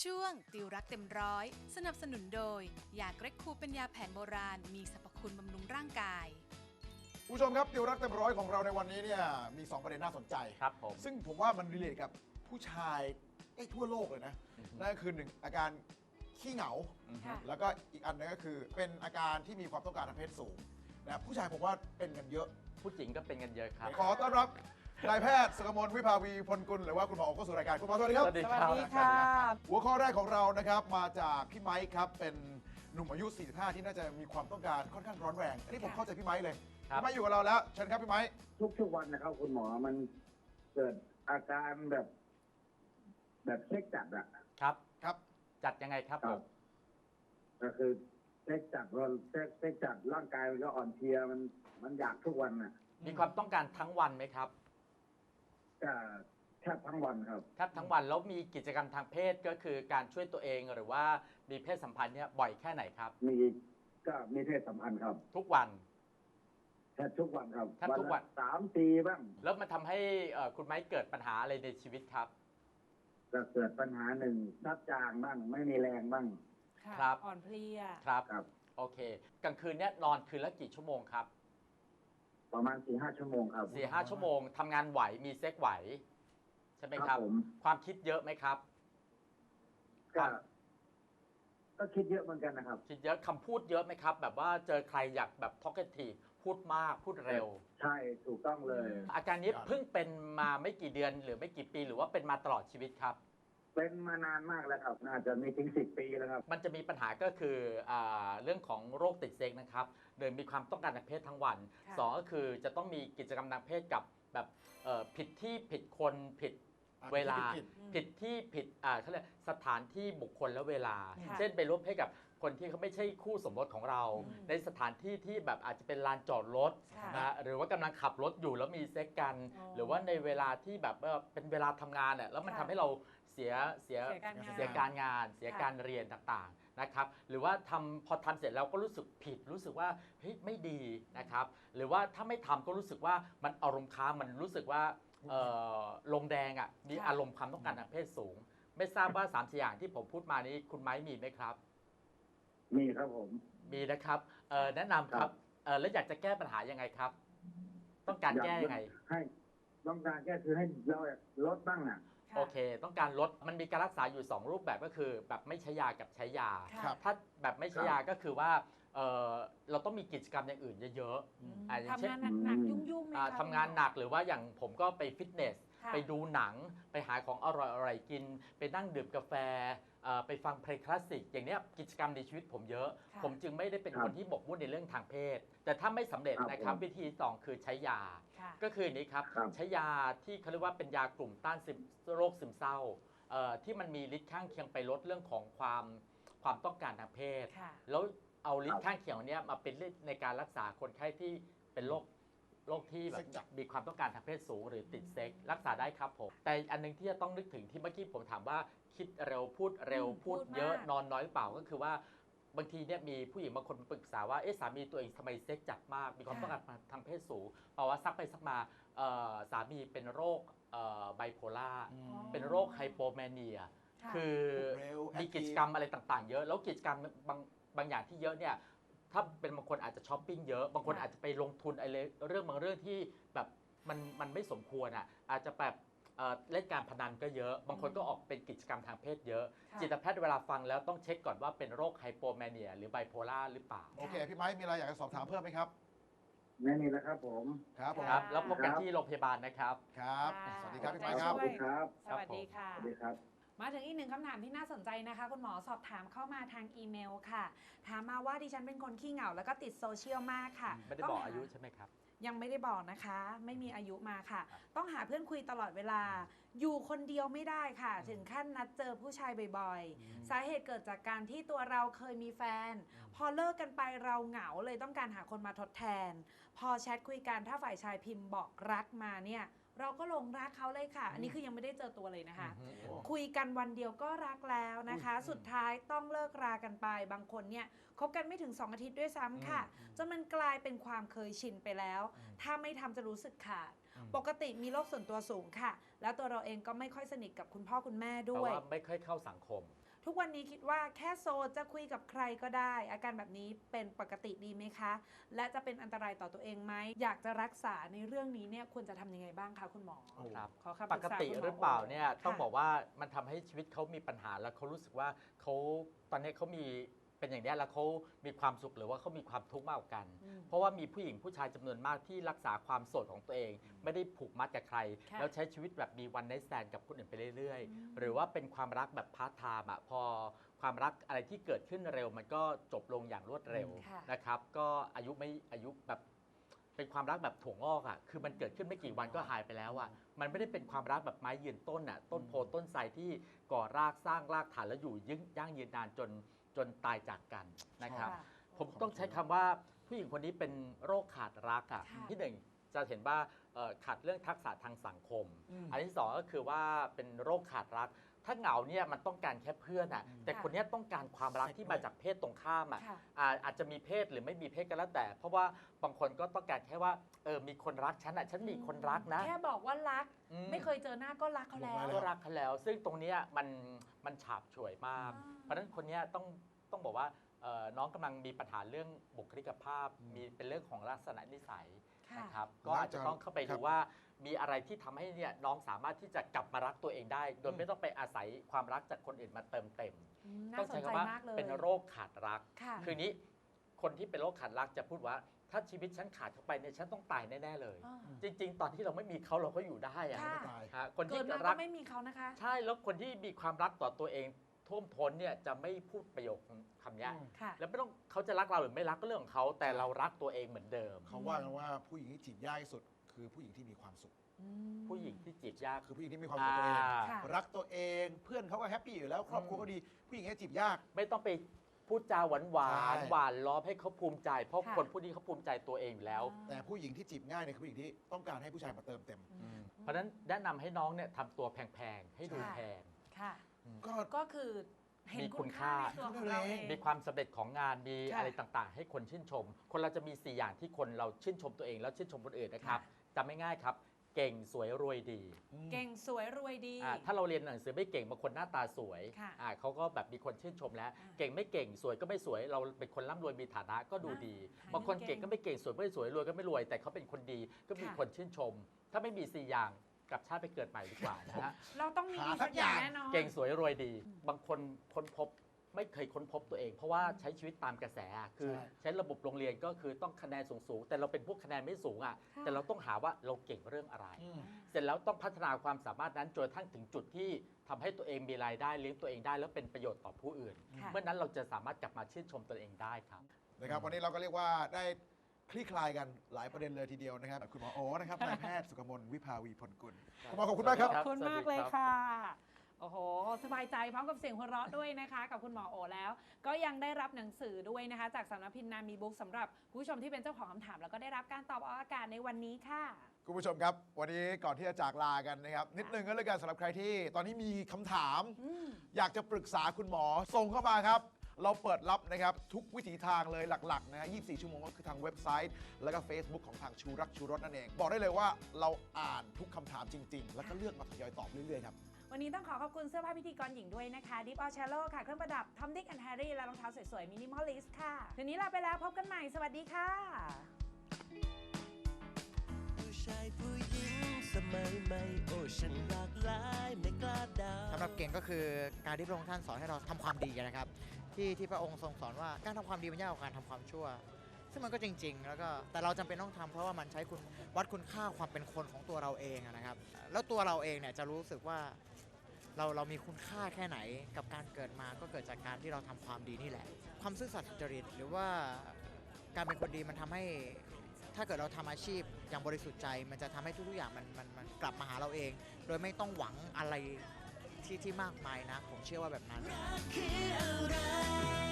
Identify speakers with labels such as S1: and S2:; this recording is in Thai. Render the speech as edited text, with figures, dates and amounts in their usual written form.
S1: ช่วงติวรักเต็มร้อยสนับสนุนโดยยาเกรกคูเป็นยาแผนโบราณมีสรรพคุณบำรุงร่างกาย
S2: ผู้ชมครับติวรักเต็มร้อยของเราในวันนี้เนี่ยมี2ประเด็นน่าสนใจ
S3: ครับผม
S2: ซึ่งผมว่ามันรีเลทกับผู้ชายทั่วโลกเลยนะนั่นก็คือ1อาการขี้เหงาแล้วก็อีกอันนึงก็คือเป็นอาการที่มีความต้องการทางเพศสูงนะผู้ชายผมว่าเป็นกันเยอะ
S3: ผู้หญิงก็เป็นกันเยอะครับ
S2: ขอต้อนรับนายแพทย์สกมลวิภาวีพลกุลหรือว่าคุณหมอเข้าสู่รายการคุณหมอสวัสดีครับ
S3: สวัสดีค่ะ
S2: หัวข้อแรกของเรานะครับมาจากพี่ไมค์ครับเป็นหนุ่มอายุ 45 ที่น่าจะมีความต้องการค่อนข้างร้อนแรงอันนี้ผมเข้าใจพี่ไมค์เลยพี่ไมค์อยู่กับเราแล้วเชิญครับพี่ไมค์
S4: ทุกวันนะครับคุณหมอมันเกิดอาการแบบเช็คจัดอะ
S2: ครับ
S3: จัดยังไงครับผม
S4: ก็คือเช็คจัดว่าเช็คจัดร่างกายมันก็อ่อนเพลียมันอยากทุกวันน่ะ
S3: มีความต้องการทั้งวันไหมครับ
S4: ก็แทบทั้งวันครับ
S3: แทบทั้งวันแล้วมีกิจกรรมทางเพศก็คือการช่วยตัวเองหรือว่ามีเพศสัมพันธ์เนี่ยบ่อยแค่ไหนครับ
S4: มีเพศสัมพันธ์ครับ
S3: ทุกวัน
S4: แทบทุกวันครับ
S3: แทบทุกวัน
S4: 3-4บ้าง
S3: แล้วมันทำให้คุณไม้เกิดปัญหาอะไรในชีวิตครับ
S4: ก็เกิดปัญหาหนึ่งชักจางบ้างไม่มีแรงบ้าง
S3: ครับ
S1: อ่อนเพลีย
S3: ครับโอเคกลางคืนเนี่ยนอนคืนละกี่ชั่วโมงครับ
S4: ประมาณ 4-5 ชั่วโมงครับ
S3: 4-5 ชั่วโมงทำงานไหวมีเซ็กไหวใช่ไหมครับความคิดเยอะไหมครับ
S4: ก็คิดเยอะเหมือนกันนะครับ
S3: คิดเยอะคำพูดเยอะไหมครับแบบว่าเจอใครอยากแบบ talkative พูดมากพูดเร็ว
S4: ใช่ถูกต้องเลย
S3: อาการนี้เพิ่งเป็นมาไม่กี่เดือนหรือไม่กี่ปีหรือว่าเป็นมาตลอดชีวิตครับ
S4: เป็นมานานมากแล้วครับน่าจะมีถึง10 ปีแล้วครับ
S3: มันจะมีปัญหาก็คือเรื่องของโรคติดเซ็กนะครับโดยมีความต้องการทางเพศทั้งวัน2ก็คือจะต้องมีกิจกรรมทางเพศกับแบบผิดที่ผิดคนผิดเวลาผิดที่ผิดเขาเรียกสถานที่บุคคลและเวลาเช่นไปร่วมเพศกับคนที่เขาไม่ใช่คู่สมรสของเราในสถานที่ที่แบบอาจจะเป็นลานจอดรถนะหรือว่ากำลังขับรถอยู่แล้วมีเซ็กกันหรือว่าในเวลาที่แบบเป็นเวลาทำงานเนี่ยแล้วมันทำให้เราเสียการงานเสียการเรียนต่างๆนะครับหรือว่าพอทำเสร็จแล้วก็รู้สึกผิดรู้สึกว่าเฮ้ยไม่ดีนะครับหรือว่าถ้าไม่ทำก็รู้สึกว่ามันอารมณ์ค้างมันรู้สึกว่าลงแดงมีอารมณ์ความต้องการทางเพศสูงไม่ทราบว่า3-4 อย่างที่ผมพูดมานี้คุณไม้มีไหมครับ
S4: มีครับผม
S3: มีนะครับแนะนำครับแล้วอยากจะแก้ปัญหายังไงครับต้องการแก้ยังไง
S4: ให้ต้องการแก้คือให้เราลดบ้าง
S3: โอเคต้องการลดมันมีการรักษาอยู่2รูปแบบก็คือแบบไม่ใช้ยากับใช้ยาถ้าแบบไม่ใช้ยาก็คือว่าเราต้องมีกิจกรรมอย่างอื่นเยอะ
S1: ๆทำงานหนักๆยุ่ง
S3: ๆทำงานหนักหรือว่าอย่างผมก็ไปฟิตเนสไปดูหนังไปหาของอร่อยๆกินไปนั่งดื่มกาแฟไปฟังเพลงคลาสสิกอย่างนี้กิจกรรมในชีวิตผมเยอะผมจึงไม่ได้เป็นคนที่หมกมุ่นในเรื่องทางเพศแต่ถ้าไม่สำเร็จนะครับวิธี2คือใช้ยาก็คือนี้ครับใช้ยาที่เขาเรียกว่าเป็นยากลุ่มต้านโรคซึมเศร้าที่มันมีฤทธิ์ข้างเคียงไปลดเรื่องของความต้องการทางเพศแล้วเอาฤทธิ์ข้างเคียงนี้มาเป็นฤทธิ์ในการรักษาคนไข้ที่เป็นโรคที่แบบมีความต้องการทางเพศสูงหรือติดเซ็กรักษาได้ครับผมแต่อันนึงที่จะต้องนึกถึงที่เมื่อกี้ผมถามว่าคิดเร็วพูดเยอะนอนน้อยหรือเปล่าก็คือว่าบางทีเนี่ยมีผู้หญิงบางคนปรึกษาว่าสามีตัวเองทำไมเซ็กจัดมากมีความต้องการทางเพศสูงเพราะว่าซักไปซักมาสามีเป็นโรคไบโพล่าเป็นโรคไฮโปแมเนียคือมีกิจกรรมอะไรต่างๆเยอะแล้วกิจกรรมบางอย่างที่เยอะเนี่ยถ้าเป็นบางคนอาจจะช้อปปิ้งเยอะบางคนอาจจะไปลงทุนอะไรเรื่องบางเรื่องที่แบบมันไม่สมควรอาจจะแบบเล่นการพนันก็เยอะบางคนก็ออกเป็นกิจกรรมทางเพศเยอะจิตแพทย์เวลาฟังแล้วต้องเช็คก่อนว่าเป็นโรคไฮโปแมเนียหรือไบโพล่าหรือเปล่า
S2: โอเคพี่ไม้มีอะไรอยากจะสอบถามเพิ่มไหมครับ
S4: ไม่มีแล้วครับผม
S2: ครับ
S3: แล้วพบกันที่โรงพยาบาลนะครับ
S2: ครับสวัสดีครับพี่ไม้ครับ
S4: สวัสดีครับ
S1: สวัสดีค่ะ
S4: สวัสดีครับ
S1: มาถึงอีกหนึ่งคำถามที่น่าสนใจนะคะคุณหมอสอบถามเข้ามาทางอีเมลค่ะถามมาว่าดิฉันเป็นคนขี้เหงาแล้วก็ติดโซเชียลมากค่ะ
S3: ไม่ได้บอกอายุใช่ไหมครับ
S1: ยังไม่ได้บอกนะคะไม่มีอายุมาค่ะต้องหาเพื่อนคุยตลอดเวลาอยู่คนเดียวไม่ได้ค่ะถึงขั้นนัดเจอผู้ชายบ่อยๆสาเหตุเกิดจากการที่ตัวเราเคยมีแฟนพอเลิกกันไปเราเหงาเลยต้องการหาคนมาทดแทนพอแชทคุยกันถ้าฝ่ายชายพิมพ์บอกรักมาเนี่ยเราก็หลงรักเขาเลยค่ะอันนี้คือยังไม่ได้เจอตัวเลยนะคะคุยกันวันเดียวก็รักแล้วนะคะสุดท้ายต้องเลิกรากันไปบางคนเนี่ยคบกันไม่ถึง2 อาทิตย์ด้วยซ้ำค่ะจนมันกลายเป็นความเคยชินไปแล้วถ้าไม่ทำจะรู้สึกขาดปกติมีโรคส่วนตัวสูงค่ะแล้วตัวเราเองก็ไม่ค่อยสนิทกับคุณพ่อคุณแม่ด้วย
S3: ไม่ค่อยเข้าสังคม
S1: ทุกวันนี้คิดว่าแค่โซจะคุยกับใครก็ได้ อาการแบบนี้เป็นปกติดีไหมคะ และจะเป็นอันตรายต่อตัวเองไหมอยากจะรักษาในเรื่องนี้เนี่ยควรจะทำยังไงบ้างคะคุณหมอ
S3: ครับ
S1: ขอคำ
S3: ป
S1: รึ
S3: ก
S1: ษา
S3: ติ
S1: คุณม
S3: หรือเปล่าเนี่ย
S1: โ
S3: ต้อง
S1: ค่ะ
S3: บอกว่ามันทำให้ชีวิตเขามีปัญหาแล้วเขารู้สึกว่าเขาตอนนี้เขามีเป็นอย่างนี้แล้วเขามีความสุขหรือว่าเขามีความทุกข์มากกว่ากัน
S1: อืม
S3: เพราะว่ามีผู้หญิงผู้ชายจำนวนมากที่รักษาความโสดของตัวเอง ไม่ได้ผูกมัดกับใคร
S1: ค่ะ
S3: แล้วใช้ชีวิตแบบมีวันไนท์แซนกับคนอื่นไปเรื่อย
S1: อืม
S3: ๆ หรือว่าเป็นความรักแบบพาร์ทไทม์อะพอความรักอะไรที่เกิดขึ้นเร็ว มันก็จบลงอย่างรวดเร็ว
S1: ค่ะ
S3: นะครับก็อายุแบบเป็นความรักแบบถั่วงอกอ่ะคือมันเกิดขึ้นไม่กี่วันก็หายไปแล้วอ่ะมันไม่ได้เป็นความรักแบบไม้ยืนต้นอ่ะต้นโพต้นไทรที่ก่อรากสร้างรากฐานแล้วอยู่ยั่งยืนนานจนตายจากกันนะครับ
S1: ค่ะ
S3: ผมต้องใช้คำว่าผู้หญิงคนนี้เป็นโรคขาดรักอ่ะ
S1: ค่ะ
S3: ที่หนึ่งจะเห็นว่าขาดเรื่องทักษะทางสังคม อันที่สองก็คือว่าเป็นโรคขาดรัก ถ้าเหงาเนี่ยมันต้องการแค่เพื่อนอ่ะแต่คนเนี้ยต้องการความรักที่มาจากเพศตรงข้ามอ่ะ
S1: ค่ะ
S3: อาจจะมีเพศหรือไม่มีเพศก็แล้วแต่ เพราะว่าบางคนก็ต้องการแค่ว่ามีคนรักฉันอ่ะฉันมีคนรักนะ
S1: แค่บอกว่ารัก
S3: อืม
S1: ไม่เคยเจอหน้าก็รักเขาแล้ว
S3: ก็รักเขาแล้ว ซึ่งตรงเนี้ยมันฉาบฉวยมาก
S1: อ่า
S3: เพราะฉะนั้นคนเนี้ยต้องบอกว่าน้องกำลังมีปัญหาเรื่องบุคลิกภาพ มีเป็นเรื่องของลักษณะนิสัย
S1: ค่ะ
S3: นะครับก็อาจจะต้องเข้าไป
S2: ครั
S3: ดู
S2: บ
S3: ว่ามีอะไรที่ทำให้เนี่ยน้องสามารถที่จะกลับมารักตัวเองได้ โดยไม่ต้องไปอาศัยความรักจากคนอื่นมาเติมเต็ม
S1: น่า
S3: ต้อง
S1: สน
S3: ใช้
S1: ใจ
S3: คำว่า
S1: มากเลย
S3: เป็นโรคขาดรัก
S1: ค่ะ
S3: คือนี้คนที่เป็นโรคขาดรักจะพูดว่า ถ้าชีวิตฉันขาดเข้าไปเนี่ยฉันต้องตายแน่ๆเลย
S1: อ่า
S3: จริง ๆ ตอนที่เราไม่มีเขาเราก็อยู่ได้อะ
S1: ค่ะ
S2: ตาย
S3: ฮะคน
S1: เกิ
S3: ที่
S1: ดมา
S3: รั
S1: ก็
S3: ก
S1: ไม่มีเขานะคะ
S3: ใช่แล้วคนที่มีความรักต่อตัวเองท่วมท้นเนี่ยจะไม่พูดประโยคคำเนี้ย
S1: ค่ะ
S3: แล้วไม่ต้องเขาจะรักเราหรือไม่รักก็เรื่องของเขาแต่เรารักตัวเองเหมือนเดิม
S2: เขาว่ากันว่าผู้หญิงที่จีบยากที่สุด คือผู้หญิงที่มีความสุข
S1: อืม
S3: ผู้หญิงที่จีบยาก
S2: คือผู้หญิงที่มีความสุขกับตัวเอง
S1: ค่ะ
S2: รักตัวเอง เพื่อนเขาก็แฮปปี้อยู่แล้ว ครอบครัวก็ดี ผู้หญิงที่จีบยาก
S3: ไม่ต้องไปพูดจาหวาน
S2: ใช่
S3: หวานล้อมให้เขาภูมิใจ เพราะ
S1: ค่ะ
S3: คนผู้นี้เขาภูมิใจตัวเองอยู่แล้ว
S2: แต่ผู้หญิงที่จีบง่ายเนี่ยคือผู้หญิงที่ต้องการให้ผู้ชายมาเติมเต็ม
S3: เพราะฉะนั้นแนะนำให้น้องเนี่ยทำตัวแพงๆ ให้ดู
S1: ค่ะ
S3: แพง
S1: ค่ะ
S2: ก็
S1: ก็คือเห็น
S3: มีคุ
S1: คุณ
S3: ณ
S1: ค่า
S3: ค่า
S1: ในตัวของเราเอง
S3: มีความสำเร็จของงานมี
S1: ค่ะ
S3: อะไรต่างๆ ให้คนชื่นชม คนเราจะมี 4 อย่างที่คนเราชื่นชมตัวเองแล้วชื่นชมคนอื่นนะครับ
S1: ค่ะ
S3: จำไม่ง่ายครับ เก่งสวยรวยดี
S1: เก่งสวยรวยดี
S3: ถ้าเราเรียนหนังสือไม่เก่งบางคนหน้าตาสวย
S1: ค่ะ
S3: เขาก็แบบมีคนชื่นชมแล้ว
S1: อ่า
S3: เก่งไม่เก่งสวยก็ไม่สวย เราเป็นคนร่ำรวยมีฐานะก็ดูดี
S1: อ่า
S3: บางคน
S1: เก่
S3: เก่
S1: ง
S3: งก็ไม่เก่งสวยไม่สวยรวยก็ไม่รวย แต่เขาเป็นคนดีก็มี
S1: ค่ะ
S3: คนชื่นชม ถ้าไม่มี 4 อย่างกลับชาติไปเกิดใหม่ดีกว่านะฮะ
S1: เราต้องมี
S2: หา
S1: สักอย่าง
S2: สักอย่าง
S1: แน่นอน
S3: เก่งสวยรวยดี บางคนค้นพบไม่เคยค้นพบตัวเอง เพราะว่าใช้ชีวิตตามกระแสอะคือ
S2: ใช่
S3: ใช้ระบบโรงเรียนก็คือต้องคะแนนสูงๆแต่เราเป็นพวกคะแนนไม่สูงอ่ะ
S1: ค่ะ
S3: แต่เราต้องหาว่าเราเก่งเรื่องอะไร เสร็จแล้วต้องพัฒนาความสามารถนั้นจนกระทั่งถึงจุดที่ทำให้ตัวเองมีรายได้เลี้ยงตัวเองได้ แล้วเป็นประโยชน์ต่อผู้อื่น
S1: ค่ะ
S3: เมื่อนั้นเราจะสามารถกลับมาชื่นชมตัวเองได้ครับ
S2: นะครับวันนี้เราก็เรียกว่าได้คลี่คลายกันหลายประเด็นเลยทีเดียวนะครับคุณหมอโอนะครับนายแพทย์สุกมลวิภาวีผลกุลคุณหมอขอบคุณมากครับ
S1: ขอบคุณมากเลย
S3: สวัสดีรับ
S1: ค่ะ โอ้โห สบายใจพร้อมกับเสียงหัวเราะด้วยนะคะ กับคุณหมอโอแล้ว ก็ยังได้รับหนังสือด้วยนะคะ จากสำนักพิมพ์นามีบุ๊กสำหรับผู้ชมที่เป็นเจ้าของคำถาม แล้วก็ได้รับการตอบออกอากาศในวันนี้ค่ะ
S2: คุณผู้ชมครับ วันนี้ก่อนที่จะจากลากันนะครับ นิดนึงก็เลยกันสำหรับใครที่ตอนนี้มีคำถาม อยากจะปรึกษาคุณหมอส่งเข้ามาครับ เราเปิดรับนะครับทุกวิถีทางเลยหลักๆนะฮะ24 ชั่วโมงก็คือทางเว็บไซต์ แล้วก็ Facebook ของทางชูรักชูรสนั่นเอง บอกได้เลยว่าเราอ่านทุกคำถามจริง ๆ แล้วก็เลือกมาทยอยตอบเรื่อยๆครับ
S1: วันนี้ต้องขอขอบคุณเสื้อผ้าพิธีกรหญิงด้วยนะคะ Deep All Shallow ค่ะ เครื่องประดับ Tom Dick and Harry และรองเท้าสวยๆ Minimalist ค่ะคืนนี้ลาไปแล้วพบกันใหม่ สวัสดีค่ะ
S5: ผู้ชายผู้หญิงสมัยใหม่โอ้ฉันหลากหลายไม่กล้าเดา
S6: สำหรับเก่งก็คือการที่พระองค์ท่านสอนให้เราทำความดีนะครับที่พระองค์ทรงสอนว่าการทำความดีมันยากกว่าการทำความชั่ว ซึ่งมันก็จริง ๆ แล้วก็แต่เราจำเป็นต้องทำเพราะว่ามันใช้คุณวัดคุณค่าความเป็นคนของตัวเราเองนะครับ แล้วตัวเราเองเนี่ยจะรู้สึกว่าเรามีคุณค่าแค่ไหนกับการเกิดมาก็เกิดจากการที่เราทำความดีนี่แหละ ความซื่อสัตย์สุจริตหรือว่าการเป็นคนดีมันทำให้ ถ้าเกิดเราทำอาชีพอย่างบริสุทธิ์ใจมันจะทำให้ทุกๆอย่างมันกลับมาหาเราเอง โดยไม่ต้องหวังอะไรที่มากมายนะ ผมเชื่อว่าแบบนั้น
S5: รักคืออะไร